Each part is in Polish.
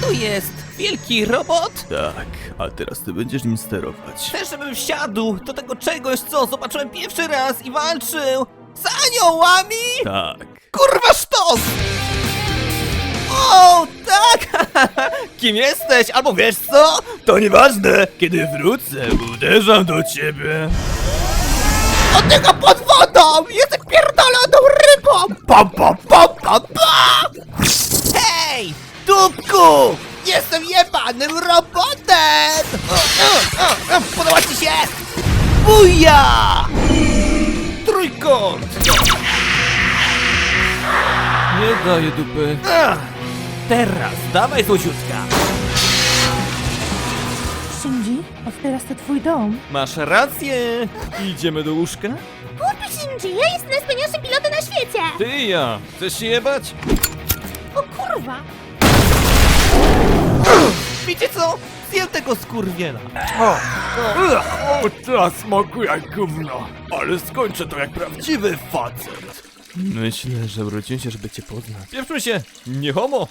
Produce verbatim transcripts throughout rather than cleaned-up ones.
to jest? Wielki robot? Tak, a teraz ty będziesz nim sterować. Chcesz, żebym wsiadł do tego czegoś, co zobaczyłem pierwszy raz i walczył z aniołami? Tak. Kurwa sztos! O, tak! Kim jesteś? Albo wiesz co? To nieważne! Kiedy wrócę, uderzam do ciebie. Od tego pod wodą! Jestem pierdoloną rybą! Pa, pa, pa, pa, pa! Hej! Dupku! Jestem jebanym robotem! O, o, o, podoba ci się? Buja! Trójkąt! Nie daję dupy. Ach, teraz dawaj złociutka. Shinji, od teraz to twój dom. Masz rację. Idziemy do łóżka? Głupi Shinji, ja jestem najwspanialszym pilotem na świecie! Ty i ja. Chcesz się jebać? O kurwa! Wiecie co? Zjem tego skurwiela. O, ta smakuje jak gówno. Ale skończę to jak prawdziwy facet. Myślę, że urodziłem się, żeby cię poznać. Pieprzmy się. Nie homo.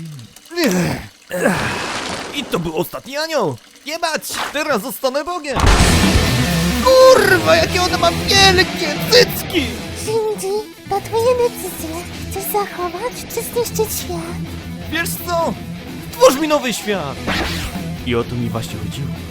I to był ostatni anioł. Jebać. Teraz zostanę Bogiem. Kurwa, jakie ona ma wielkie cycki. Shinji, to twoje decyzje. Chcesz zachować czy zniszczyć świat? Wiesz co? Stwórz mi nowy świat. I o to mi właśnie chodziło.